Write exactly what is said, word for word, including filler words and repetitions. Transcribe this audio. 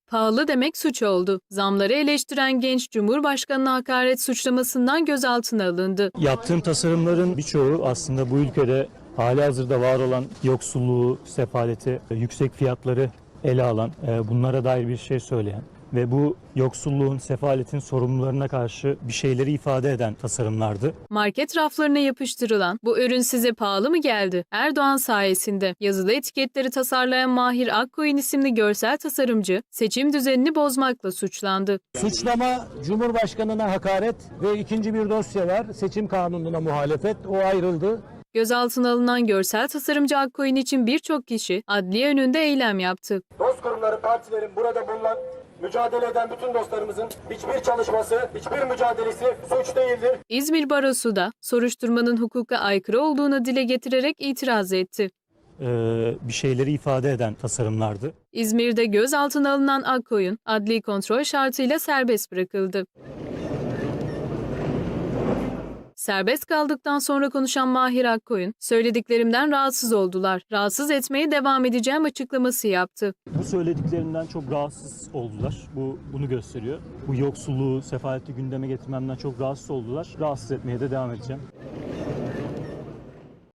Pahalı demek suç oldu. Zamları eleştiren genç Cumhurbaşkanı'na hakaret suçlamasından gözaltına alındı. Yaptığım tasarımların birçoğu aslında bu ülkede halihazırda var olan yoksulluğu, sefaleti, yüksek fiyatları ele alan, bunlara dair bir şey söyleyen ve bu yoksulluğun, sefaletin sorumlularına karşı bir şeyleri ifade eden tasarımlardı. Market raflarına yapıştırılan "Bu ürün size pahalı mı geldi?" Erdoğan sayesinde yazılı etiketleri tasarlayan Mahir Akkoyun isimli görsel tasarımcı seçim düzenini bozmakla suçlandı. Suçlama Cumhurbaşkanı'na hakaret ve ikinci bir dosya var. Seçim kanununa muhalefet. O ayrıldı. Gözaltına alınan görsel tasarımcı Akkoyun için birçok kişi adliye önünde eylem yaptı. Dost kurumları, partilerin burada bulunan, mücadele eden bütün dostlarımızın hiçbir çalışması, hiçbir mücadelesi suç değildir. İzmir Barosu da soruşturmanın hukuka aykırı olduğunu dile getirerek itiraz etti. Ee, bir şeyleri ifade eden tasarımlardı. İzmir'de gözaltına alınan Akkoyun adli kontrol şartıyla serbest bırakıldı. Serbest kaldıktan sonra konuşan Mahir Akkoyun, "Söylediklerimden rahatsız oldular. Rahatsız etmeye devam edeceğim" açıklaması yaptı. Bu söylediklerimden çok rahatsız oldular. Bu bunu gösteriyor. Bu yoksulluğu, sefaleti gündeme getirmemden çok rahatsız oldular. Rahatsız etmeye de devam edeceğim.